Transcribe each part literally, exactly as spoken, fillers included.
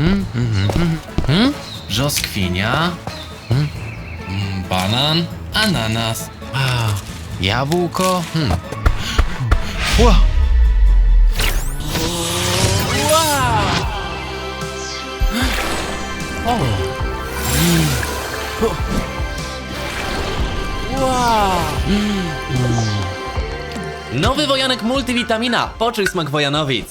Hmm, hmm, hmm, hmm. Brzoskwinia. Hmm. Hmm, banan. Ananas. A, jabłko. Hmm. Ła. O. Mm. O. Wow. Mm. Nowy wojanek multivitamina. Poczuj smak wojanowic.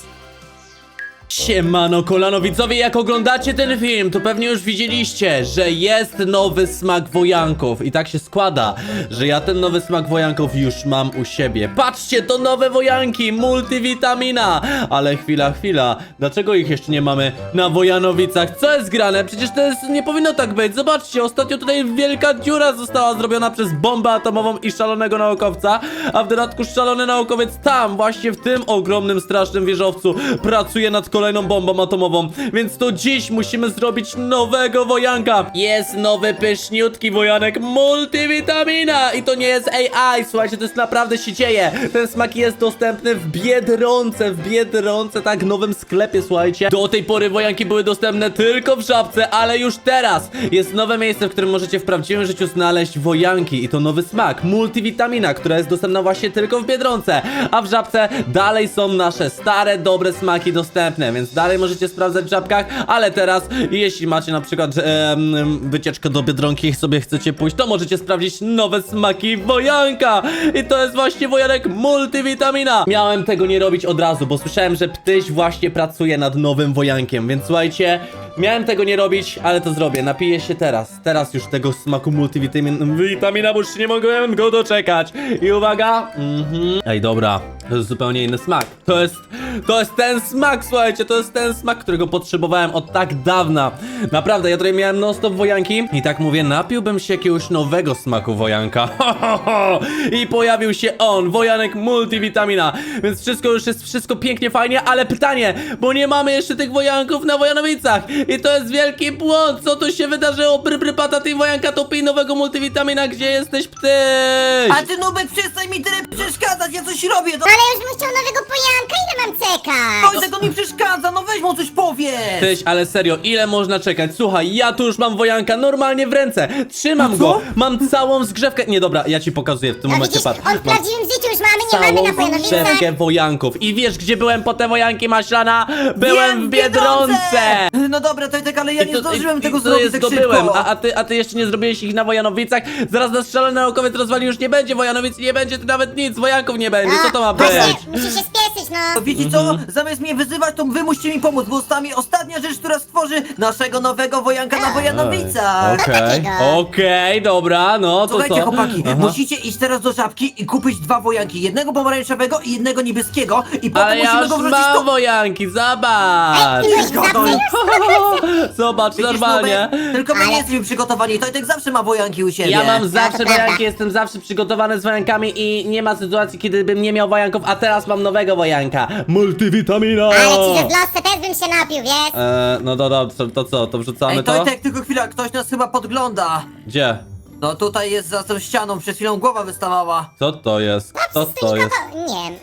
Siemano kolanowicowie, jak oglądacie ten film, to pewnie już widzieliście, że jest nowy smak wojanków. I tak się składa, że ja ten nowy smak wojanków już mam u siebie. Patrzcie, to nowe wojanki, multivitamina. Ale chwila, chwila, dlaczego ich jeszcze nie mamy na Wojanowicach? Co jest grane? Przecież to jest, nie powinno tak być. Zobaczcie, ostatnio tutaj wielka dziura została zrobiona przez bombę atomową i szalonego naukowca. A w dodatku szalony naukowiec tam, właśnie w tym ogromnym, strasznym wieżowcu pracuje nad kolejną bombą atomową, więc to dziś musimy zrobić nowego wojanka. Jest nowy, pyszniutki wojanek multivitamina i to nie jest A I, słuchajcie, to jest naprawdę się dzieje. Ten smak jest dostępny w Biedronce, w Biedronce, tak, nowym sklepie, słuchajcie. Do tej pory wojanki były dostępne tylko w Żabce, ale już teraz jest nowe miejsce, w którym możecie w prawdziwym życiu znaleźć wojanki i to nowy smak multivitamina, która jest dostępna właśnie tylko w Biedronce, a w Żabce dalej są nasze stare, dobre smaki dostępne, więc dalej możecie sprawdzać w Żabkach, ale teraz jeśli macie na przykład e, wycieczkę do Biedronki i sobie chcecie pójść, to możecie sprawdzić nowe smaki wojanka i to jest właśnie wojanek multivitamina. Miałem tego nie robić od razu, bo słyszałem, że Ptyś właśnie pracuje nad nowym wojankiem, więc słuchajcie, miałem tego nie robić, ale to zrobię. Napiję się teraz. Teraz już tego smaku multivitamina, bo już nie mogłem go doczekać. I uwaga. Mhm. Ej, dobra. To jest zupełnie inny smak. To jest, to jest ten smak, słuchajcie. To jest ten smak, którego potrzebowałem od tak dawna. Naprawdę, ja tutaj miałem non stop wojanki. I tak mówię, napiłbym się jakiegoś nowego smaku wojanka. Ho, ho, ho. I pojawił się on, wojanek multivitamina. Więc wszystko już jest, wszystko pięknie, fajnie, ale pytanie, bo nie mamy jeszcze tych wojanków na Wojanowicach. I to jest wielki błąd. Co tu się wydarzyło? Bry, bry, patata i wojanka, to pij nowego multivitamina. Gdzie jesteś, Ptyś? A ty, Nubek, przestań mi tyle przeszkadzać, ja coś robię, no. Ale już bym chciał nowego pojanka, ile mam czekać? Wojtek, on mi przeszkadza, no weź mu coś powiedz. Tyś, ale serio, ile można czekać? Słuchaj, ja tu już mam wojanka normalnie w ręce. Trzymam No go. co? Mam całą zgrzewkę. Nie, dobra, ja ci pokazuję w tym No momencie, widzisz, patrz. on w Mam prawdziwym życiu już mamy, nie mamy na całą Wojanowicach. zgrzewkę wojanków. I wiesz, gdzie byłem po te wojanki, Maślana? Byłem Wiem, w Biedronce. No dobra, Tojtek, ale ja I nie to- zdążyłem i- tego i to zrobić jest tak zdobyłem, szybko. a, a, ty, a ty jeszcze nie zrobiłeś ich na Wojanowicach? Zaraz nas szalony naukowiec rozwali, już nie będzie Wojanowic, nie będzie tu nawet nic, wojanków nie będzie, co to ma być? Właśnie, musisz się spieszyć, no. To wiecie co? Zamiast mnie wyzywać, to wy musicie mi pomóc, bo ostatni, ostatnia rzecz, która stworzy naszego nowego wojanka na Wojanowicach. Okej, takiego. okej, dobra, no to Słuchajcie, co? chłopaki, Aha. musicie iść teraz do Żabki i kupić dwa wojanki. Jednego pomarańczowego i jednego niebieskiego. I potem Ale ja musimy już go wrzucić mam do... wojanki, zobacz! Ty byłeś w Gadaj. Żabce? Zobacz, Widzisz, normalnie. Nubek? Tylko my Ale- nie jesteśmy przygotowani. Tojtek zawsze ma wojanki u siebie. Ja mam to zawsze prawda. wojanki, jestem zawsze przygotowany z wojankami i nie ma sytuacji, kiedy bym nie miał wojanków, a teraz mam nowego wojanka. Multivitamina! Ale ci, że w losce też bym się napił, wiesz? Eee, no to, to, to, to co, to wrzucamy Ej, to? Tojtek, tylko chwila, ktoś nas chyba podgląda. Gdzie? No tutaj jest za tą ścianą, przed chwilą głowa wystawała. Co to jest? Co to jest? Nie.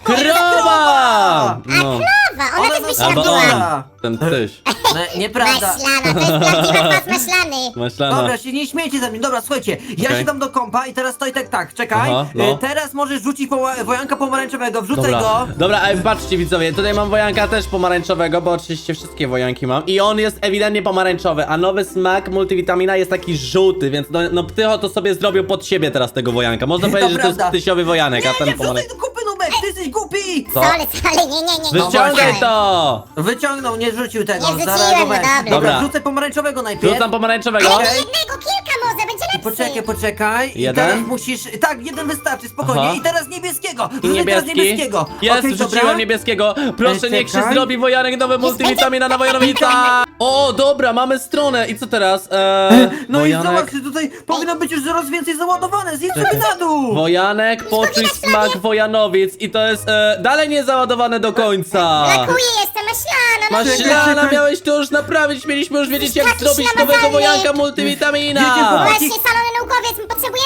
Krowa! No. Krowa, ona, Ona też by nas się Albo napiła. napiła. on, ten tyś. No, nieprawda. Maślana, to jest prawdziwa kwas maślany. Maślana. Dobra, się nie śmiejcie ze mnie. Dobra, słuchajcie, ja Okej. się dam do kompa i teraz Tojtek tak, czekaj. Aha, no. Y, Teraz możesz rzucić poła- wojanka pomarańczowego, wrzucaj Dobra, go. dobra, ej, patrzcie widzowie, tutaj mam wojanka też pomarańczowego, bo oczywiście wszystkie wojanki mam i on jest ewidentnie pomarańczowy, a nowy smak multivitamina jest taki żółty, więc no, no Ptycho to sobie zrobił pod siebie teraz tego wojanka. Można To powiedzieć, że to jest prawda. tysiowy wojanek, Nie, a ten nie, wrzucaj pomarańczowy. do kupy, Nubek, ty jesteś głupi. Co? Sorry, sorry, nie, nie, nie. nie. Wyciągaj właśnie. to! Wyciągnął, nie rzucił tego, Nie wrzuciłem, zareagowałem. no dobra. Dobra, Dobra. wrzucaj pomarańczowego najpierw. Rzucam pomarańczowego. Ale Okej. nie jednego, kilka może, będzie lepszy. Poczekaj, poczekaj. I Jeden? teraz musisz. Tak, jeden wystarczy, spokojnie. Aha. I teraz niebieskiego. I Wrzucaj teraz niebieski. niebieskiego. Jest, Okej, wrzuciłem dobra. niebieskiego. Proszę, Ej, niech się czekaj. zrobi wojanek nowy multivitamina na Wojanowica. O, dobra, mamy stronę. I co teraz? Eee, No i wojanek, zobacz, tutaj powinno być już coraz więcej załadowane. Zjedz sobie Czekaj. na dół. wojanek, poczuj smak Wojanowic. I to jest e, dalej nie załadowane do końca. Brakuje jeszcze maślana. no. Maślana, Czekaj. miałeś to już naprawić. Mieliśmy już wiedzieć, jak Taki zrobić ślamazalny. nowego wojanka Wiecie, multivitamina. chłopaki, Właśnie, szalony naukowiec, my potrzebujemy na niego.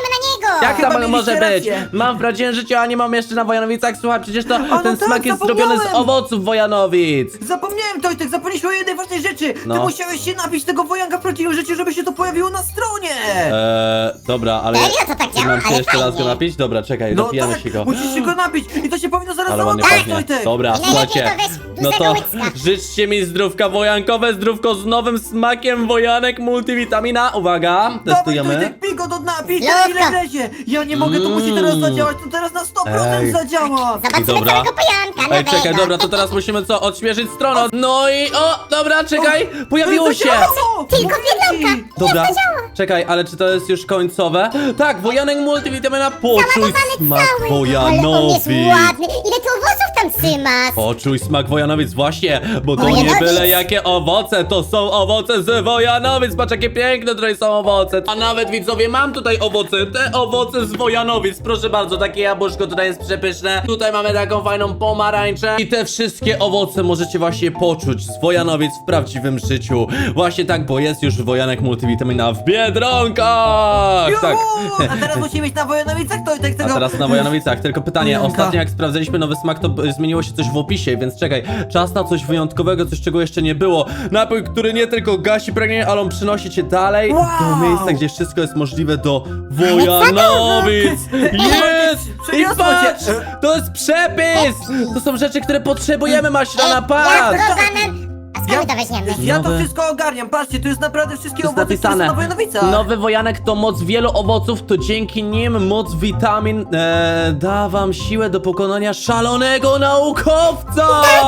Jak Chyba tam mieliście może być? rację. Mam w prawdziwym życiu, a nie mam jeszcze na Wojanowicach. Słuchaj, przecież to no ten tak, smak jest zapomniałem. zrobiony z owoców Wojanowic. Zapomniałem, Tojtek, zapomnieliśmy o jednej ważnej rzeczy. No. Ty musiałeś się napić tego wojanka w prawdziwym życiu, żeby się to pojawiło na stronie. Eee, dobra, ale... Serio? To tak działa? Mam się Ale jeszcze raz go fajnie. napić? Dobra, czekaj, No napijemy tak, się go. musisz się go napić i to się powinno zaraz Ale ładnie załadować, pachnie. Tojtek. Dobra, Najlepiej słuchajcie. to weź No dużego to łycka. życzcie mi zdrówka wojankowe, zdrówko z nowym smakiem wojanek multivitamina. Uwaga, Dawaj, testujemy. Tojtek, pij go do dna, pij go Lówka. ile wlezie. Ja nie mogę, to musi teraz Mm. zadziałać, to teraz na sto procent Ej. zadziała. Zobaczymy Dobra. całego pojanka Ej, nowego. czekaj, dobra, to teraz musimy co? Odświeżyć stronę. No i o, dobra, czekaj, pojawiło się. Zadziałało! Tylko Mówię ci. biedronka. Dobra, czekaj, ale czy to jest już końcowe? Tak, wojanek multivitamina, poczuj smak Ale on jest wojanowic. ładny. Ile tu owoców tam trzymasz? Poczuj smak wojanowic, właśnie, bo to nie Wojanowic. byle jakie owoce, to są owoce z wojanowic, patrz jakie piękne tutaj są owoce. A nawet widzowie, mam tutaj owoce, te owoce z wojanowic, proszę bardzo, takie jabłuszko tutaj jest przepyszne. Tutaj mamy taką fajną pomarańczę i te wszystkie owoce możecie właśnie poczuć z wojanowic w prawdziwym życiu. Właśnie tak, bo jest już wojanek multivitamina w Biedronkach. Tak. Juhu! A teraz musimy iść na Wojanowicach, Tojtek, A tego... teraz na Wojanowicach, tylko pytanie, Wojanka. ostatnio jak sprawdzaliśmy nowy smak, to b- zmieniło się coś w opisie, więc czekaj, czas na coś wyjątkowego, coś czego jeszcze nie było. Napój, który nie tylko gasi pragnienie, ale on przynosi cię dalej Wow. do miejsca, gdzie wszystko jest możliwe do Wojanowic. Jest! I Przyniosło cię. patrz, to jest przepis! To są rzeczy, które potrzebujemy, maślana, Ja patrz! to banan. A skąd my to weźmiemy? Ja to Nowe- wszystko ogarniam, patrzcie, tu jest naprawdę wszystkie To jest owoce, które są na napisane. Wojanowicach. Nowy wojanek to moc wielu owoców, to dzięki nim moc witamin e, da wam siłę do pokonania szalonego naukowca!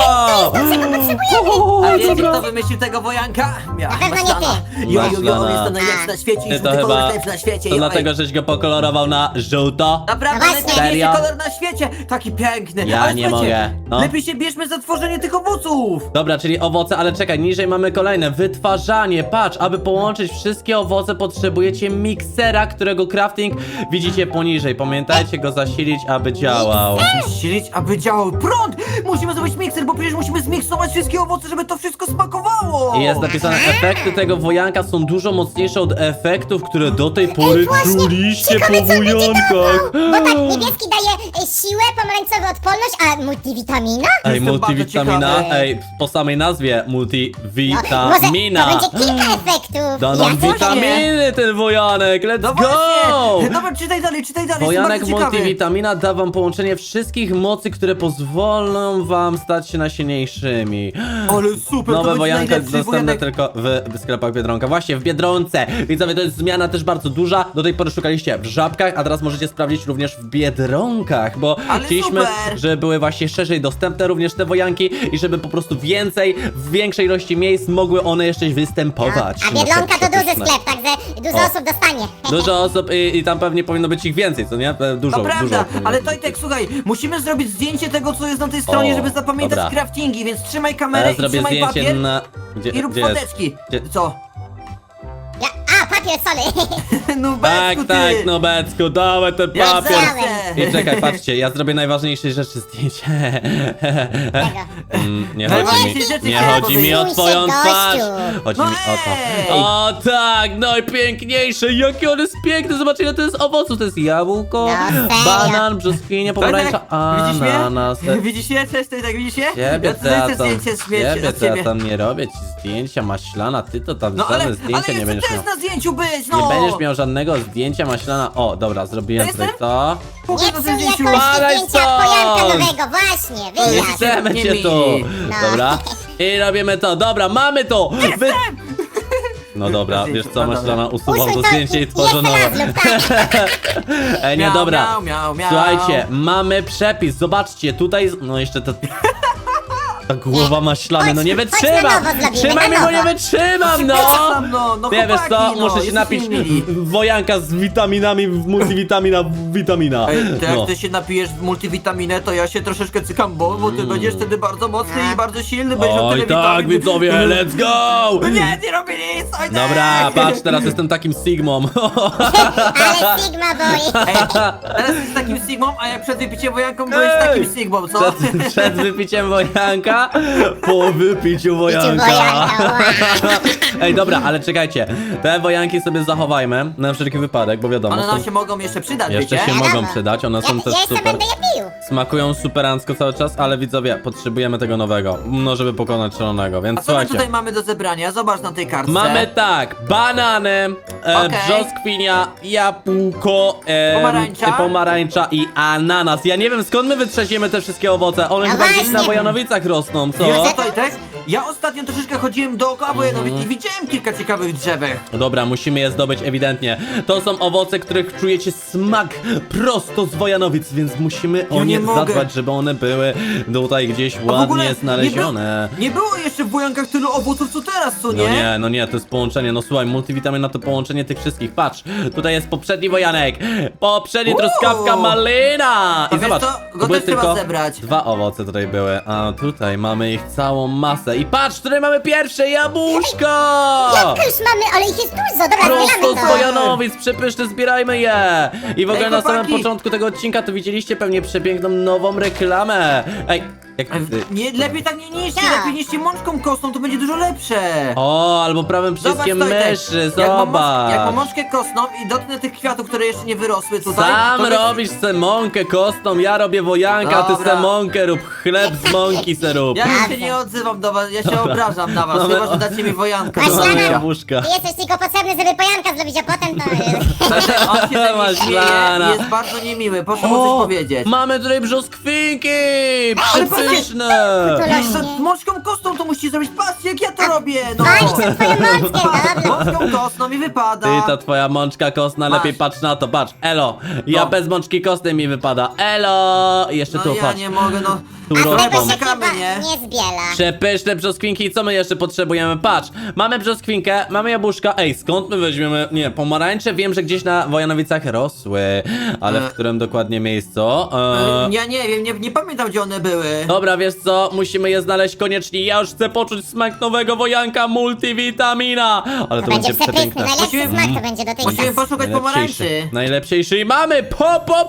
O, A wiecie, dobra. kto wymyślił tego wojanka? Ja, Na pewno nie Maślana. ty. Jo, jo, jo, on Maślana. jest to najlepszy na świecie, Ty jest to to chyba, najlepszy na świecie. to jo, dlatego, ej. żeś go pokolorował na żółto? Naprawdę No właśnie. najpiękniejszy Serio? kolor na świecie, taki piękny. Ja Ale nie słuchajcie, mogę, no. lepiej się bierzmy za tworzenie tych owoców. Dobra, czyli owoce, ale czekaj, niżej mamy kolejne. Wytwarzanie, patrz, aby połączyć wszystkie owoce potrzebujecie miksera, którego crafting widzicie poniżej. Pamiętajcie go zasilić, aby działał. Silić, aby działał prąd. Musimy zrobić mikser, bo przecież musimy zmiksować wszystkie owoce, żeby to wszystko smakowało. I jest napisane, efekty tego wojanka są dużo mocniejsze od efektów, które do tej pory właśnie, czuliście ciekawe, po co będzie wojankach. Bo tak, niebieski daje e, siłę, pomarańczowy odporność, a multivitamina? Ej, Jestem bardzo multivitamina, ciekawy. ej, po samej nazwie No, multivitamina. może to będzie kilka efektów. Da Ja nam też witaminy ten wojanek, let's No go! właśnie. Dobra, czytaj dalej, czytaj dalej, Wojanek jestem bardzo ciekawy. multivitamina da wam połączenie wszystkich mocy, które pozwolą wam stać się najsilniejszymi. Ale super, to Nowe będzie wojanka najlepszy dostępne wojanek. tylko w, w sklepach Biedronka. Właśnie, w Biedronce. Widzowie, to jest zmiana też bardzo duża. Do tej pory szukaliście w Żabkach, a teraz możecie sprawdzić również w Biedronkach, bo Ale chcieliśmy, super. żeby były właśnie szerzej dostępne również te wojanki i żeby po prostu więcej, w większej ilości miejsc mogły one jeszcze występować. A No, Biedronka to duży przepyszne. sklep, także dużo O. osób dostanie. Dużo osób i, i tam pewnie powinno być ich więcej, co nie? E, Dużo, To dużo. prawda, powinno ale być. Tojtek, słuchaj, musimy zrobić zdjęcie tego, co jest na tej stronie, O, żeby zapamiętać dobra. craftingi, więc trzymaj Ja kamerę i zrobię trzymaj zdjęcie papier na... Gdzie, i rób gdzie jest? foteczki. Gdzie- Co? Ja, a, papier, sorry. No Tak, Becku, tak, ty. no Becku, dawaj ten Jak papier. zawsze. I czekaj, patrzcie, ja zrobię najważniejszej rzeczy zdjęcie. Tego. Mm, nie chodzi Najważniejsze mi, rzeczy nie chciałem chodzi mi o powiedzieć. twoją Gościu. twarz. Chodzi No mi o to. ej. O tak, najpiękniejsze, jakie on jest piękny, zobaczcie ile to jest owoców, to jest jabłko, No, serio? banan, brzoskwinia, pomarańcza, Tojtek, widzisz ananas. mnie? Widzisz mnie? Cześć, Tojtek, widzisz mnie? Ciebie Ja to tutaj ja chcę tam, zdjęcie śmieci ciebie od to ja ciebie. tam nie robię ci zdjęcia, maślana, ty to tam No ale, żadne ale zdjęcia nie jeszcze będziesz też miał. na zdjęciu być, no! Nie będziesz miał żadnego zdjęcia maślana. O, dobra, zrobiłem To tutaj jestem? to. Pokaż Nie na psuj tym zdjęciu. jakości Spadaj zdjęcia stąd! pojanka nowego, właśnie, Nie wyjazd. chcemy nie cię mili. tu. No. Dobra. I robimy to. Dobra, mamy to. Wy... No dobra, wiesz co, No dobra. maślana, usuwam Usuń to to zdjęcie i i tworzę jeszcze nowe. raz lub tak. Ej, nie, Miau, dobra. miau, miau, miau. Słuchajcie, mamy przepis. Zobaczcie, tutaj. No jeszcze to. Ta głowa maślany, no nie Chodź- chodź wytrzymam! na nowo zrobimy, Trzymaj na mnie, bo nie nowo. wytrzymam, no! Przepraszam, no, no Nie wiesz co, chłopaki, no, muszę się jesteście napić niemili. wojanka z witaminami, multivitamina, witamina. Ej, to jak No. ty się napijesz w multivitaminę, to ja się troszeczkę cykam, bo, bo ty będziesz wtedy bardzo mocny i bardzo silny, będziesz miał Oj tyle tak, witamin. widzowie, let's go! No nie, nie robię nic, ojciec! Dobra, patrz, teraz jestem takim Sigmą. Ale Sigma Boy. Ej, teraz jesteś takim Sigmą, a jak przed wypiciem wojanką byłeś Ej! takim Sigmą, co? Przed, przed wypiciem wojanka wojanka po wypiciu wojanka. wojanka, Ej, dobra, ale czekajcie. Te wojanki sobie zachowajmy na wszelki wypadek, bo wiadomo, One są, nam się mogą jeszcze przydać, jeszcze wiecie? się Wiadomo. mogą przydać, one są Ja, też ja jeszcze super. będę je pił. Smakują superancko cały czas, ale widzowie, potrzebujemy tego nowego, no żeby pokonać szalonego, A więc co my słuchajcie. tutaj mamy do zebrania? Zobacz na tej kartce. Mamy tak, banany, e, Okej. brzoskwinia, jabłko, e, Pomarańcza. e, pomarańcza i ananas. Ja nie wiem skąd my wytrzeźniemy te wszystkie owoce, one No chyba gdzieś właśnie. na Wojanowicach rosną, co? Wiesz co, Tojtek? Ja ostatnio troszeczkę chodziłem dookoła Wojanowic i widziałem kilka ciekawych drzewek. Dobra, musimy je zdobyć ewidentnie. To są owoce, których czujecie smak prosto z Wojanowic, więc musimy o Ja nie nie mogę. zadbać, żeby one były tutaj gdzieś A w ogóle ładnie znalezione. Nie, był, nie było jeszcze w Wojankach tylu owoców co teraz, co nie? No nie, no nie, to jest połączenie, no słuchaj, multivitamina to połączenie tych wszystkich, patrz, tutaj jest poprzedni wojanek, poprzedni Uuu. truskawka malina A i wiesz zobacz, co? to Go były też trzeba tylko zebrać. dwa owoce tutaj były, a tutaj mamy ich całą masę i patrz, tutaj mamy pierwsze jabłuszko! Jak już mamy, ale ich jest dużo, dobra, Prosto zbieramy z to. Wojanowic, przepyszne, zbierajmy je! I w ogóle Ej, na samym chłopaki. początku tego odcinka to widzieliście pewnie przepiękną nową reklamę. Ej, jak E, ty... Nie, lepiej tak nie niszcie, Tak. lepiej niszcie mączką kostną, to będzie dużo lepsze. O, albo prawym przyciskiem Tojtek, myszy, jak mam, mącz- zobacz! jak mam mączkę kostną i dotknę tych kwiatów, które jeszcze nie wyrosły tutaj, Sam to wiesz- robisz se mąkę kostną, ja robię wojanka, a ty Dobra. se mąkę rób, chleb z mąki se rób. Ja już się nie odzywam do was, ja się obrażam na was, Mamy- chyba że dacie mi wojankę. Masz Mamy lana. jabłuszka. Ty jesteś tylko potrzebny, żeby pojanka zrobić, a potem to... On się ze mnie Masz śmieje lana. i jest bardzo niemiły, proszę mu coś powiedzieć. mamy tutaj brzoskwinki! Ale patrzcie, Przepyszne! to Wiesz co, rośnie. mączką kostną to musicie zrobić, patrzcie jak ja to robię, no! Masz tę twoją mączkę, dobra. Mączką kostną mi wypada. Ty, ta twoja mączka kostna, Masz. lepiej patrz na to, patrz, elo, ja No. bez mączki kostnej mi wypada, elo! I jeszcze No tu, ja patrz, nie mogę, no. tu A z tego rosną. się Czekamy, chyba nie? nie zbiela. Przepyszne brzoskwinki, co my jeszcze potrzebujemy? Patrz, mamy brzoskwinkę, mamy jabłuszka, ej, skąd my weźmiemy, nie, pomarańcze, wiem, że gdzieś na Wojanowicach rosły, ale w E. którym dokładnie miejscu? Eee, Ja nie wiem, nie, nie pamiętam gdzie one były. Dobra, wiesz co, musimy je znaleźć koniecznie, ja już chcę poczuć smak nowego wojanka multivitamina, ale to, To będzie przepyszny, przepiękne. najlepszy Musimy- smak to będzie do tej Musimy czas. poszukać pomarańczy. Najlepszejszy i mamy po po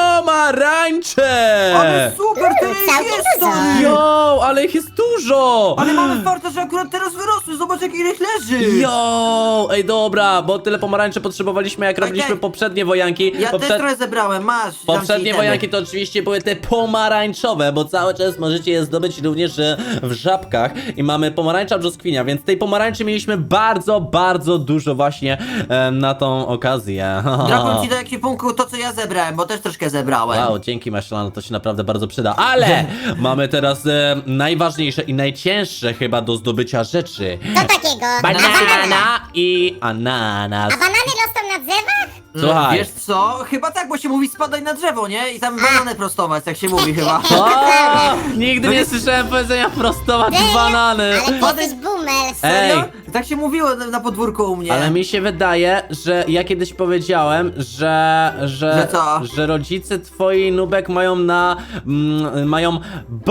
pomarańcze! Ale super, tyle ich Całkiem jest, dużo. stary! Jo, ale ich jest dużo! Ale mamy farta, że akurat teraz wyrosły, zobacz jak ile ich leży! Jo, ej dobra, bo tyle pomarańczy potrzebowaliśmy jak robiliśmy tak. poprzednie wojanki. Ja Poprze- też trochę zebrałem, masz. dam ci Poprzednie itemy. wojanki to oczywiście były te pomarańczowe, bo cały czas możecie je zdobyć również e, w żabkach i mamy pomarańcza brzoskwinia, więc tej pomarańczy mieliśmy bardzo, bardzo dużo właśnie e, na tą okazję. Drapam ci do ekwipunku to co ja zebrałem, bo też troszkę zebrałem. Wow, dzięki Maślano, to się naprawdę bardzo przyda, ale mamy teraz e, najważniejsze i najcięższe chyba do zdobycia rzeczy. Co takiego? Banana i ananas. A banany rosną na drzewach? Słuchaj. Wiesz co? Chyba tak, bo się mówi spadaj na drzewo, nie? I tam banany prostować, tak się mówi chyba. O, nigdy nie słyszałem powiedzenia prostować banany. Ale ty jesteś boomer. Ej, Serio? Tak się mówiło na, na podwórku u mnie. ale mi się wydaje, że ja kiedyś powiedziałem, że, że, Że co? że rodzice twoi Nubek mają na, mm, mają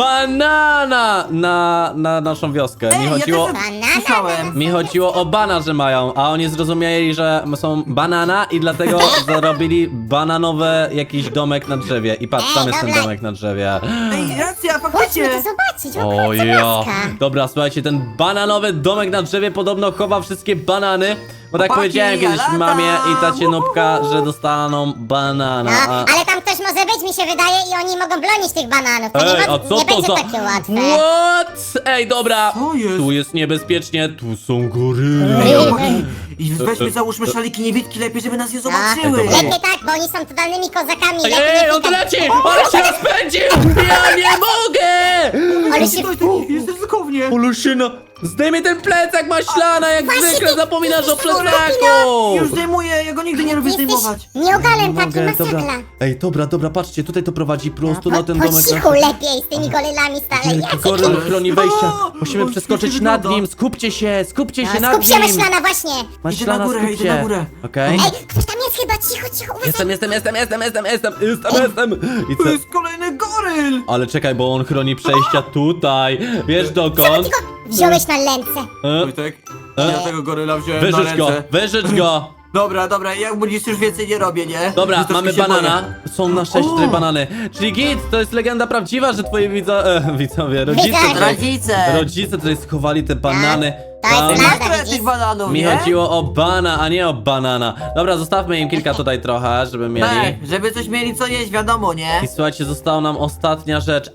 banana na, na naszą wioskę. Ej, Mi ja chodziło, też Banana? słyszałem. mi chodziło o bana, że mają, a oni zrozumieli, że są banana i dlatego zarobili bananowy jakiś domek na drzewie. I patrz, tam Ej, jest ten dobra. domek na drzewie. Ej, racja, Chodźmy faktycznie. to zobaczyć, o O kurczę ja. blaska. Dobra, słuchajcie, ten bananowy domek na drzewie podobno chowa wszystkie banany. Bo tak Chłopaki, powiedziałem kiedyś ja mamie latam. i tacie Nubka, że dostaną banana. No, A... ale tam ktoś może być, mi się wydaje, i oni mogą bronić tych bananów. To Ej, nie, a mo- co nie to będzie za... takie łatwe. What? Ej, dobra. Co jest? Tu jest niebezpiecznie, tu są goryle. Ej, chłopaki, I weźmy, załóżmy szaliki niewidki lepiej, żeby nas nie zobaczyły. No, lepiej tak, bo oni są totalnymi kozakami. Ej, lepiej ej, nie on tu klikać. leci! Ale się rozpędził! Ja nie mogę! Ale się... Stój, stój, jest ryzykownie. Oluszyna, zdejmij ten plecak maślana, jak Właśnie zwykle ty- zapominasz o ty- plecaku! Już zdejmuję, ja go nigdy nie lubię Jesteś zdejmować. nieogalem taki, Mogę, dobra. masakra. Ej, dobra, dobra, patrzcie, tutaj to prowadzi prosto na Po, ten po domek. cichu lepiej z tymi gorylami stale. Wielki goryl chroni wejścia. O, Musimy on przeskoczyć świetnie nad wygląda. nim. Skupcie się, skupcie się No, nad skup się, nim. myślana, właśnie. Maślana, Idę na górę, skup idę się. na górę. Okej. Ej, ktoś tam jest chyba, cicho, cicho, uważaj. Jestem, jestem, jestem, jestem, jestem, jestem, jestem, jestem. I To co? jest kolejny goryl. Ale czekaj, bo on chroni przejścia tutaj. Wiesz dokąd? Tylko wziąłeś na ręce. E? Wojtek, ja tego goryla wziąłem na Wyrzycz go, ręce. wyrzycz go. Dobra, dobra, jak budzisz już więcej nie robię, nie? Dobra, Już troszkę mamy się banana. boję. Są na szczęście O! tutaj banany. Czyli git, to jest legenda prawdziwa, że twoi widzo... E, widzowie, rodzice... Widzowie. tutaj- Rodzice! Rodzice tutaj schowali te banany. to jest Tam- prawda. Masz trochę widzisz? tych bananów, Mi nie? chodziło o bana, a nie o banana. Dobra, zostawmy im kilka tutaj trochę, żeby mieli. Tak, żeby coś mieli co jeść, wiadomo, nie? I słuchajcie, została nam ostatnia rzecz.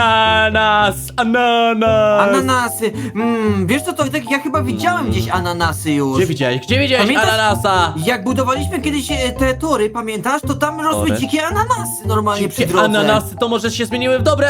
Ananas! Ananas! Ananasy. Mmm, wiesz co, to tak, ja chyba widziałem gdzieś ananasy już. Gdzie widziałeś? Gdzie widziałeś Pamiętasz? ananasa? Jak budowaliśmy kiedyś e, te tory, pamiętasz? To tam rosły Tory? dzikie ananasy normalnie przy Dzikie drodze. ananasy to może się zmieniły w dobre.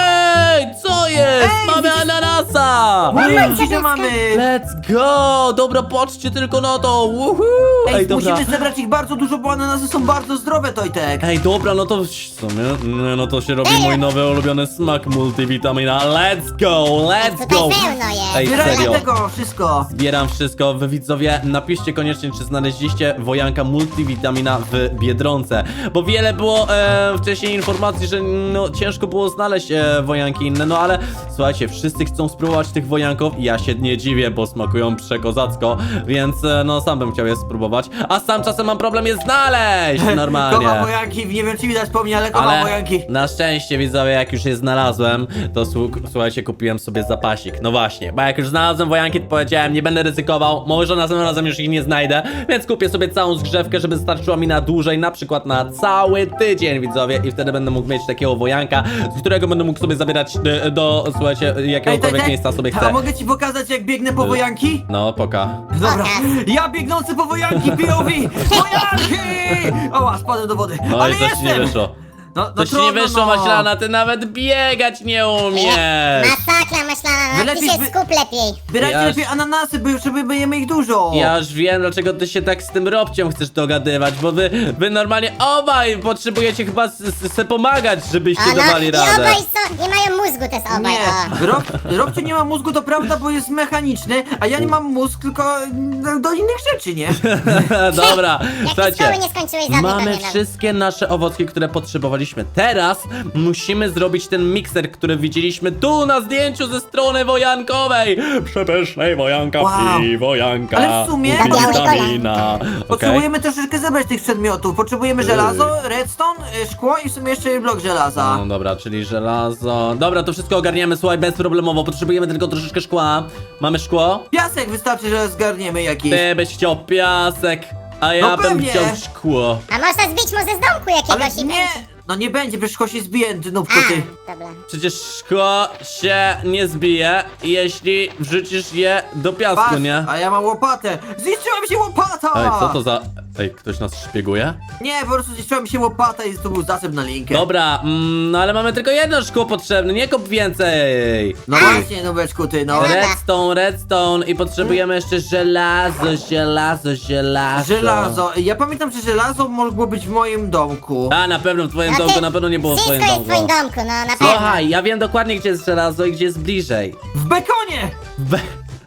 Ej, co jest? Ej, Mamy widzisz- ananasa! Nie, widzisz, że mamy. Let's go! Dobra, patrzcie tylko na to! Woohoo! Ej, Ej, dobra. musimy zebrać ich bardzo dużo, bo ananasy są bardzo zdrowe, Tojtek. Ej, dobra, no to w sumie, nie, no to się robi mój nowy ulubiony smak multivitamina. Let's go, let's Tutaj go! pełno jest. Ej, Zbierajmy serio. tego, wszystko. Zbieram wszystko. Wy widzowie, napiszcie koniecznie, czy znaleźliście wojanka multivitamina w Biedronce. Bo wiele było e, wcześniej informacji, że no, ciężko było znaleźć e, wojanki inne. No ale słuchajcie, wszyscy chcą spróbować tych wojanków i ja się nie dziwię, bo smakują przekozacko. Więc e, no sam bym chciał je spróbować. A sam czasem mam problem je znaleźć normalnie. Kocham wojanki, nie wiem czy widać po mnie, ale kocham Ale wojanki. na szczęście widzowie, jak już je znalazłem, to słu- słuchajcie, kupiłem sobie zapasik. No właśnie, bo jak już znalazłem wojanki, to powiedziałem, nie będę ryzykował, może następnym razem już ich nie znajdę, więc kupię sobie całą zgrzewkę, żeby starczyła mi na dłużej, na przykład na cały tydzień, widzowie, i wtedy będę mógł mieć takiego wojanka, z którego będę mógł sobie zabierać do, do słuchajcie, jakiegokolwiek miejsca sobie a chcę. mogę ci pokazać jak biegnę po wojanki? No, poka. Dobra, Pokaż. ja biegnący po wojanki, P O V! Wojanki! Oła, spadłem do wody. No Ale i coś ci nie jestem! wyszło. No, no Coś ci nie trudno, wyszło, no. Maślana, ty nawet biegać nie umiesz. Masakra myślana, Wy no ty lepiej się zby- skup lepiej. Zbierajcie Ja- lepiej ananasy, bo żeby będziemy ich dużo. Ja już wiem, dlaczego ty się tak z tym Robciem chcesz dogadywać, bo wy, wy normalnie obaj potrzebujecie chyba s- s- se pomagać, żebyście O, no, dawali i radę. obaj są, nie mają mózgu te są obaj, o. Nie, Rob, Robciu nie ma mózgu, to prawda, bo jest mechaniczny, a ja nie mam mózg, tylko mm, do innych rzeczy, nie? Dobra, Jak ty słuchajcie, szkoły nie skończyłeś, zabij mamy pewnie nam. wszystkie nasze owocki, które potrzebowaliśmy. Teraz musimy zrobić ten mikser, który widzieliśmy tu na zdjęciu ze strony wojankowej. Przepysznej wojanka Wow. i wojanka. Ale w sumie- witamina. Okej. Potrzebujemy troszeczkę zebrać tych przedmiotów. Potrzebujemy żelazo, redstone, y, szkło i w sumie jeszcze blok żelaza. No dobra, czyli żelazo. Dobra, to wszystko ogarniemy, słuchaj, bezproblemowo. Potrzebujemy tylko troszeczkę szkła. Mamy szkło? Piasek wystarczy, że zgarniemy jakiś. Ty byś chciał piasek, a ja No bym pewnie. chciał szkło. A można zbić mu ze z domku Ale jakiegoś i nie, będzie. no nie będzie, przecież szkło się zbije, ty nubku, ty. A, dobra. Przecież szkło się nie zbije, jeśli wrzucisz je do piasku, Patrz, nie? a ja mam łopatę. Zniszczyła mi się łopata! Ej, co to za... Ej, ktoś nas szpieguje? Nie, po prostu zniszczyła mi się łopata i to był zasób na linkę. Dobra, mm, no ale mamy tylko jedno szkło potrzebne, nie kup więcej! No właśnie, nubeczku, ty, no. Redstone, redstone i potrzebujemy jeszcze żelazo, żelazo, żelazo. Żelazo. Ja pamiętam, że żelazo mogło być w moim domku. A, na pewno w twoim No domku, ty- na pewno nie było w Wszystko twoim jest w domku. twoim domku, no na pewno. Słuchaj, ja wiem dokładnie, gdzie jest żelazo i gdzie jest bliżej. W bekonie! Be...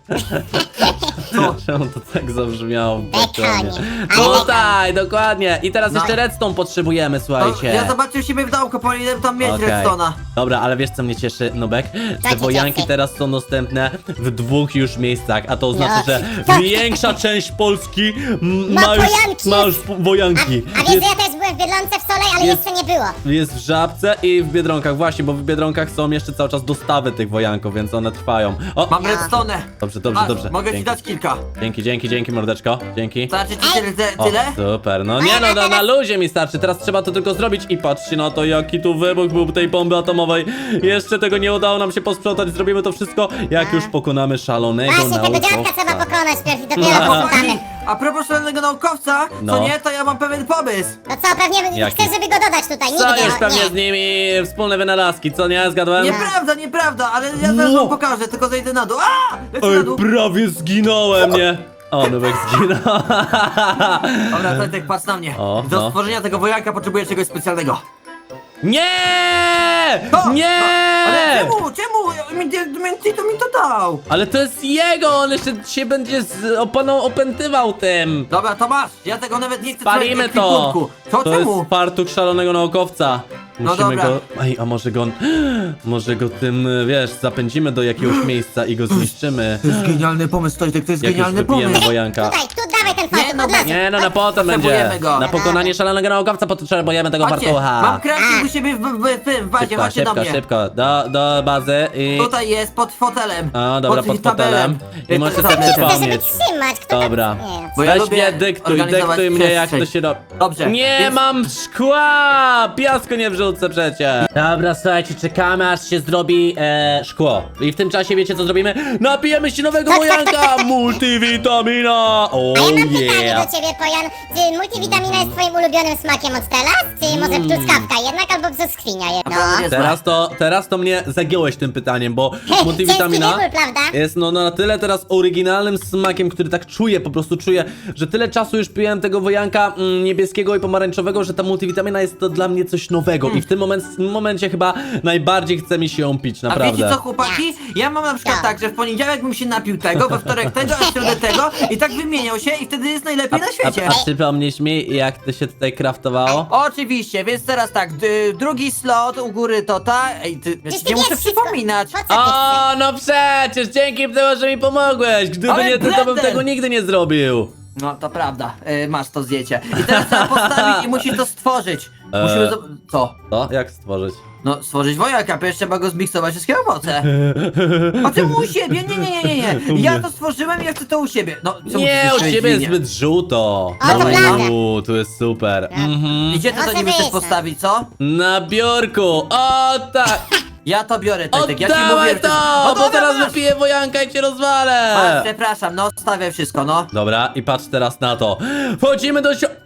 Co? Czemu to tak zabrzmiało w Bekonie. bekonie? Ale Tutaj, dokładnie. I teraz No. jeszcze redstone potrzebujemy, No, słuchajcie. ja zobaczę u siebie w domku, powinienem tam mieć Okej. redstone'a. Dobra, ale wiesz co mnie cieszy, Nubek? Te cię wojanki cieszy? teraz są dostępne w dwóch już miejscach, a to oznacza, No. że Tak. większa część Polski m, Ma ma już, wojanki. ma już po- A, wojanki. a wiesz, Jest, że ja też byłem w Biedronce w Solej, ale Jest- jeszcze nie było. jest w Żabce i w Biedronkach, właśnie, bo w Biedronkach są jeszcze cały czas dostawy tych wojanków, więc one trwają. O, Mam No. redstone'ę. dobrze, dobrze, Masz, dobrze. Mogę ci Dzięki. dać kilka. Dzięki, dzięki, dzięki, mordeczko. Dzięki. Starczy ci tyle? O, tyle? super, no nie no, no, na luzie mi starczy, teraz trzeba to tylko zrobić i patrzcie na to, jaki tu wybuch był tej bomby atomowej. Jeszcze tego nie udało nam się posprzątać, zrobimy to wszystko, jak już pokonamy szalonego Właśnie, tego naukowca. dziadka trzeba pokonać pierw i dopiero Chłopaki, posłuchamy. a propos szalonego naukowca, No. co nie, to ja mam pewien pomysł. No co, pewnie Jaki? chcesz, żeby go dodać tutaj, Co nigdy już no, pewnie nie. z nimi wspólne wynalazki, co nie? Zgadłem? Nieprawda, nieprawda, ale ja zaraz Ło. wam pokażę, tylko zejdę na dół. A! Lecę na Oj, dół. prawie zginąłem, nie? O, Nubek zginął. Dobra, Tojtek, patrz na mnie. O, Do no. stworzenia tego wojanka potrzebuję czegoś specjalnego. Nie! To, Nie! To, ale czemu, czemu? Mi, mi, mi, to mi to dał. Ale to jest jego, on jeszcze się będzie z oponą opętywał tym. Dobra, to masz, ja tego nawet nie chcę Spalimy trzymać w to! ekwipunku. Co, To czemu? jest fartuch szalonego naukowca. No Musimy dobra. go... Ej, a może go... Może go tym, wiesz, zapędzimy do jakiegoś miejsca i go zniszczymy. To jest genialny pomysł, Tojtek, to jest Jak już genialny wypijemy pomysł. wojanka. Tutaj, tu dawaj ten Nie, fajny no od razu. Nie, no na potem będzie. Potrzebujemy go. Na pokonanie szalonego naukowca potrzebujemy tego Chodźcie, fartucha. mam crafting u siebie w, w, w, w bazie, Szybko, chodźcie do szybko, mnie. szybko. Do, do bazy i... Tutaj jest, pod fotelem. A, dobra, pod fotelem. I Y, możesz pod sobie tabletem. Chcę, żeby przypomnieć. trzymać, kto Dobra. tam... Nie, Bo ja Weź lubię mnie, dyktuj, organizować dyktuj mnie jak to przestrzeń. się robi. Dobrze, Nie więc- mam szkła! Piasku nie wrzucę przecież. Dobra, słuchajcie, czekamy aż się zrobi e, szkło. I w tym czasie wiecie co zrobimy? Napijemy się nowego Tak, tak, tak, wojanka! tak, tak. Multivitamina! Oh A ja mam pytanie yeah! do ciebie, Pojan. Czy multivitamina jest twoim ulubionym smakiem od teraz? Czy może Mm. truskawka jednak, albo brzoskwinia jedna? Naprawdę jest Teraz to, teraz to mnie zagiąłeś tym pytaniem, bo Ciężki multivitamina wybór, prawda? jest no na tyle teraz oryginalnym smakiem, który tak czuję, po prostu czuję, że tyle czasu już piłem tego wojanka mm, niebieskiego i pomarańczowego, że ta multivitamina jest to dla mnie coś nowego i w tym moment, w tym momencie chyba najbardziej chce mi się ją pić, A naprawdę. wiecie co, chłopaki? Ja mam na przykład Co? tak, że w poniedziałek bym się napił tego, we wtorek tego, a w środę tego i tak wymieniał się i wtedy jest najlepiej na świecie. A, a przypomnisz mi, jak to się tutaj kraftowało? Oczywiście, więc teraz tak, d- drugi slot u góry to ta... Ej, ty, ja Przecież ci ty nie muszę wiesz wszystko. przypominać. Po co ty chcesz? O, no przecież, dzięki temu, że mi pomogłeś. Gdyby Ale nie ty, to bym blender! tego nigdy nie zrobił. No, to prawda, y, masz to zdjęcie. I teraz trzeba postawić i musisz to stworzyć. Musimy... Eee. zo- Co? To, jak stworzyć? No, stworzyć wojaka, przecież trzeba go zmiksować wszystkie owoce. A ty u siebie? Nie, nie, nie, nie, nie. Ja to stworzyłem i ja chcę to u siebie. No, co Nie, musisz u powiedzieć ciebie jest linie? zbyt żółto. A, to prawda. Uuu, tu jest super. Mhm. I gdzie ty to Może niby chcesz być, no. postawić, co? Na biurku, o tak! Ja to biorę, Tojtek, ja ci mówię, Oddawaj że to jest... to, O, bo dobra, teraz masz. wypiję wojanka i cię rozwalę! A, przepraszam, no, stawię wszystko, no. Dobra, i patrz teraz na to. Wchodzimy do sio...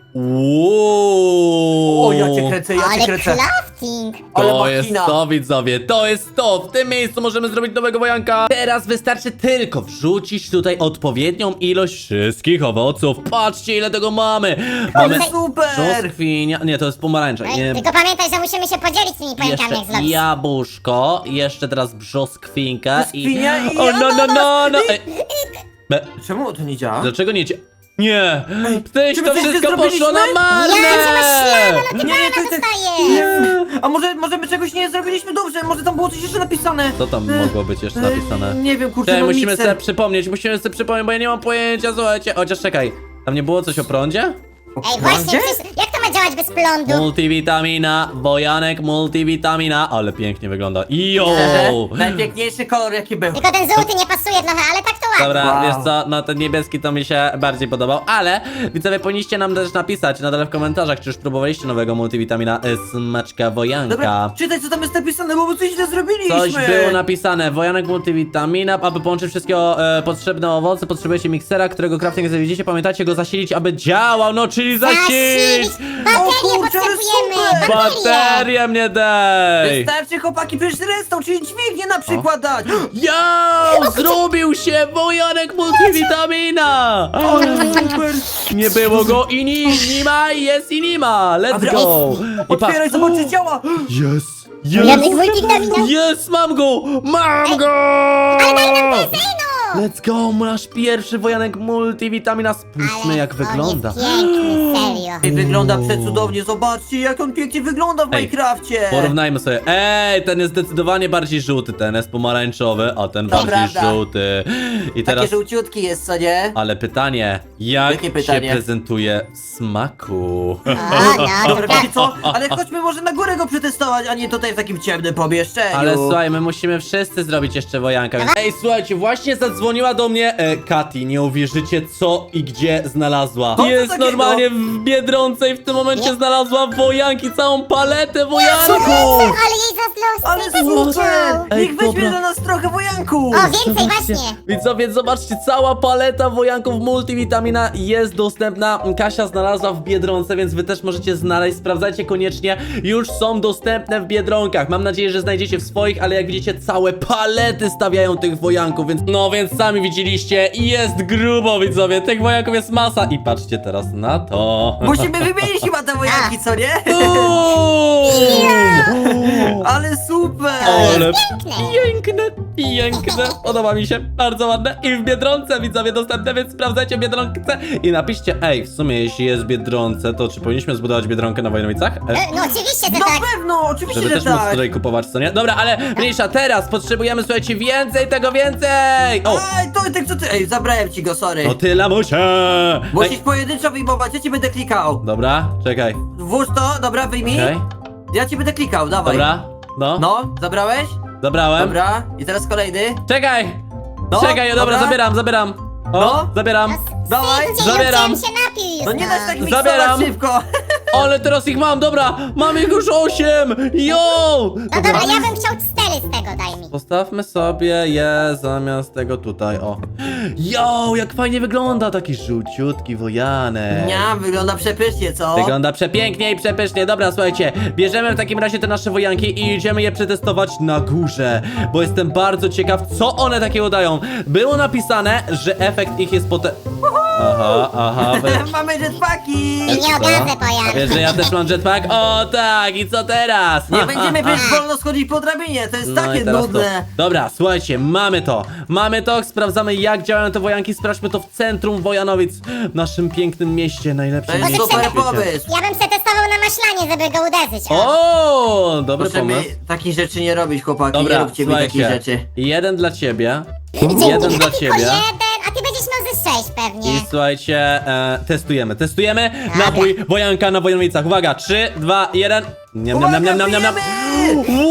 Uuu. O, ja cię kręcę, ja cię Ale kręcę. crafting! Ale To machina. jest to, widzowie, to jest to! W tym miejscu możemy zrobić nowego wojanka! Teraz wystarczy tylko wrzucić tutaj odpowiednią ilość wszystkich owoców. Patrzcie, ile tego mamy! Mamy Ale super! brzoskwinia... Nie, to jest pomarańcza. Ej, Nie, tylko pamiętaj, że musimy się podzielić tymi pająkami jak jeszcze zrobisz. jabłuszko, jeszcze teraz brzoskwinkę Brzoskwinia i O, no, no, no, no! ananas. Ej, be- Czemu to nie działa? Dlaczego nie cie... Nie! Tyś czy my to coś wszystko zrobiliśmy? poszło na marne! Ja, gdzie masz ślady, no ty Nie, nie, banana Tojtek. dostajesz! A może, może my czegoś nie zrobiliśmy dobrze? Może tam było coś jeszcze napisane? Co tam E, mogło być jeszcze e, napisane? Nie wiem, kurczę, Czekaj, no musimy mikser. sobie przypomnieć, musimy sobie przypomnieć, bo ja nie mam pojęcia, słuchajcie. Chociaż czekaj, tam nie było coś o prądzie? Ej, właśnie, Gdzie? przecież jak to ma działać bez prądu? Multivitamina, wojanek, multivitamina, ale pięknie wygląda. Jo! Najpiękniejszy kolor jaki był. Tylko ten żółty nie pasuje trochę, ale tak to ładnie. Dobra, Wow. wiesz co, no ten niebieski to mi się bardziej podobał, ale widzowie powinniście nam też napisać na dole w komentarzach, czy już próbowaliście nowego multivitamina y, smaczka wojanka. Dobra, czytaj co tam jest napisane, bo my coś źle zrobiliśmy. Coś było napisane, wojanek multivitamina, aby połączyć wszystkie e, potrzebne owoce, potrzebujecie miksera, którego crafting zawiedziecie, pamiętajcie go zasilić, aby działał, no czyli zasilić! Zasilić! Baterię O kurczę, ale potrzebujemy! super! Baterię! Baterię mnie dej! Wystarczy chłopaki przecież resztą, czyli dźwignię na przykład dać. Jo! Zrobił się wojanek multivitamina! Ale super. Nie było go i ni, nie ma, jest i nie ma! Let's Dobra, go! I Otwieraj, pa- zobacz czy działa. Jest! Janek Jest! multivitamina! Jest! Mam go! Mam go! Let's go! Nasz pierwszy wojanek multivitamina. Spójrzmy jak wygląda. Piękny, serio. Ej, wygląda przecudownie, zobaczcie jak on pięknie wygląda w Ej, Minecrafcie. Porównajmy sobie. Ej, ten jest zdecydowanie bardziej żółty, ten jest pomarańczowy, a ten To bardziej prawda. żółty. I Takie teraz. żółciutki jest, co nie? Ale pytanie, jak Jakie pytanie? się prezentuje w smaku? O, no, Dobra, dobra. wiecie co? Ale chodźmy może na górę go przetestować, a nie tutaj w takim ciemnym pomieszczeniu. Ale słuchaj, my musimy wszyscy zrobić jeszcze wojanka. Więc... Ej, słuchajcie, właśnie zadzwoniła do mnie e, Kati. Nie uwierzycie, co i gdzie znalazła. Co to Jest takiego? normalnie w Biedronce i w tym momencie Nie. znalazła wojanki, całą paletę wojanków. Ale jej zazdrosny, Ale też super! chciał. Ej, Niech weźmie dobra. dla nas trochę wojanku! O, więcej właśnie. Widzowie, zobaczcie, cała paleta wojanków multivitamina jest dostępna. Kasia znalazła w Biedronce, więc wy też możecie znaleźć. Sprawdzajcie koniecznie, już są dostępne w Biedronkach. Mam nadzieję, że znajdziecie w swoich, ale jak widzicie, całe palety stawiają tych wojanków, więc no, więc sami widzieliście, jest grubo, widzowie, tych wojanków jest masa. I patrzcie teraz na to. Musimy wymienić chyba te wojanki, co nie? Uuu! Ale super! super! Ale piękne. piękne, piękne. Podoba mi się, bardzo ładne. I w Biedronce widzowie dostępne, więc sprawdzajcie Biedronkę i napiszcie, ej, w sumie jeśli jest w Biedronce, to czy powinniśmy zbudować Biedronkę na Wojnowicach? E, E, No oczywiście, że Na tak. pewno, oczywiście, Żeby że też móc tak! tutaj kupować, co nie? Dobra, ale mniejsza, teraz potrzebujemy, słuchajcie, więcej tego, więcej! O, Ej, to tak co ty... Ej, zabrałem ci go, sorry. to ty, lamusie! Musisz Ej, pojedynczo wyjmować, ja ci będę klikał. dobra, czekaj, Włóż to, dobra, wyjmij. okej, Ja ci będę klikał, dawaj. dobra, no, No, zabrałeś? zabrałem. Dobra, i teraz kolejny. Czekaj! No, Czekaj, dobra, dobra. zabieram, zabieram. O, No. zabieram. Dawaj, Szybciej, zabieram. ja chciałem się napił już, No nie da się tak miksować Zabieram. szybko. Ale teraz ich mam, dobra! Mam ich już osiem! Jo! No dobra, ja bym chciał cztery z tego, daj mi. Postawmy sobie je zamiast tego tutaj, o. Jo, jak fajnie wygląda taki żółciutki wojanek. Nie, wygląda przepysznie, co? Wygląda przepięknie i przepysznie. Dobra, słuchajcie, bierzemy w takim razie te nasze wojanki i idziemy je przetestować na górze, bo jestem bardzo ciekaw, co one takiego dają. Było napisane, że efekt ich jest potem... Aha, aha, wy... Mamy jetpacki! I nie ogarzę, A pojan. wiesz, że ja też mam jetpack? O tak, i co teraz? Nie Ha, będziemy ha, ha. przecież wolno schodzić po drabinie, to jest No i takie teraz nudne. To. Dobra, słuchajcie, mamy to. Mamy to, sprawdzamy jak działają te wojanki. Sprawdźmy to w centrum Wojanowic, w naszym pięknym mieście, najlepszym To jest mieście super na świecie. pomysł. Ja bym se testował na maślanie, żeby go uderzyć. O. O, dobry Proszę mi pomysł. takich rzeczy nie robić, chłopaki, nie Dobra, róbcie mi takich słuchajcie. rzeczy. Jeden dla ciebie, Dzięki, jeden dla tylko ciebie. jeden, a ty będziesz miał ze sześć pewnie. I słuchajcie, e, testujemy, testujemy napój wojanka na Wojnowicach. Uwaga, trzy, dwa, jeden. Niam, niam, niam, niam, niam, niam, niam. Pijemy!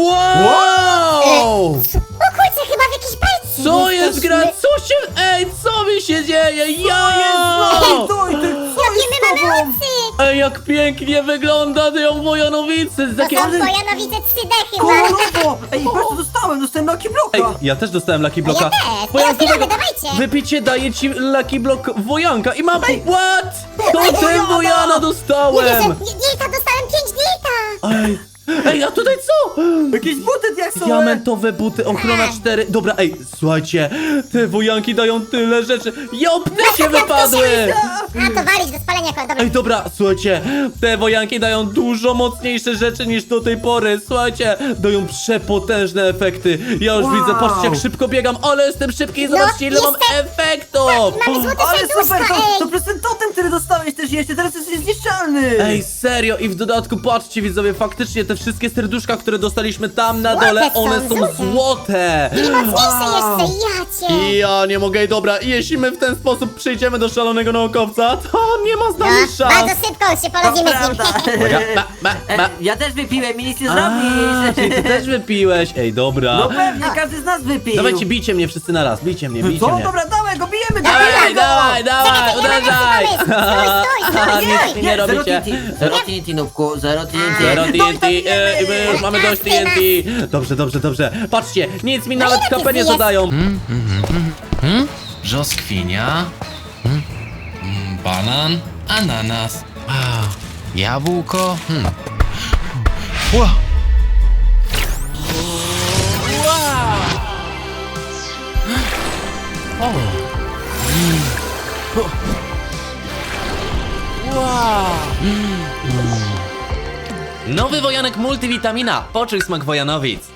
Wow! O kurczę, chyba w jakiejś bajce Co jest jesteśmy. gra? Co się... Ej, co mi się dzieje? Ej, Ja! stój, ty, co Jakie jest my z mamy tobą? oczy! Ej, jak pięknie wygląda ją Wojanowicy! To Takie... są Wojanowice trzy D chyba. Kolorowo! Ej, patrz co dostałem, dostałem Lucky Ej, Blocka! ja też dostałem Lucky Blocka. Ja też. Wojanku, Teraz tego- dawajcie. Wypicie daje ci Lucky Block wojanka i mam... What? To Ej, ten Wojana! wojana Nie wierzę, dostałem! Dilta, dostałem pięć Dilta. Ej, ej, a tutaj co? Jakieś buty diaksowe! Diamentowe buty, ochrona cztery. Dobra, ej, słuchajcie, te wojanki dają tyle rzeczy. Ja ptysie wypadły! A, to walić do spalenia, dobra. Ej, dobra, słuchajcie, te wojanki dają dużo mocniejsze rzeczy niż do tej pory. Słuchajcie, dają przepotężne efekty. Ja już Wow. widzę, patrzcie, jak szybko biegam, ale jestem szybki i No, zobaczcie, ile mam jestem- efektów. Mamy złote Ale serduszka, super, to, ej. to przez ten totem, który dostałeś też jeszcze, teraz jesteś niezniszczalny! Ej, serio, i w dodatku, patrzcie widzowie, faktycznie te wszystkie serduszka, które dostaliśmy tam na Złote dole, są, one są złote. złote. I mocniejsze Wow. jeszcze, ja cię. Ja nie mogę, dobra, jeśli my w ten sposób przyjdziemy do szalonego naukowca, to on nie ma z nami No, szans. bardzo szybko się To porodzimy z prawda! nim. Uwaga, ba, ba, E, ba. ja też wypiłem i nic nie A, zrobisz! czyli ty też wypiłeś. Ej, dobra. No pewnie, każdy z nas wypił! Dawajcie, bijcie mnie wszyscy na raz, bijcie mnie, bijcie Co? mnie. Dobra, dawaj go, bijemy, Dawaj, bijemy go! dawaj, dawaj, Czekaj, ja mam uderzaj! lepszy pomysł. Stój, stój, stój, Nic stój. mi nie zero robicie. T N T, zero T N T, nubku, zero T N T. Zero No i T N T, tam e, i my już mamy dość T N T. Dobrze, dobrze, dobrze. Patrzcie, nic mi nawet ile K P tych nie jest? zadają. Hmm? Brzoskwinia. Hmm? Mm, banan. Ananas. Wow. Jabłko. Hmm. Ła. Wow. O. Nowy wojanek multivitamina. Poczuj smak Wojanowic.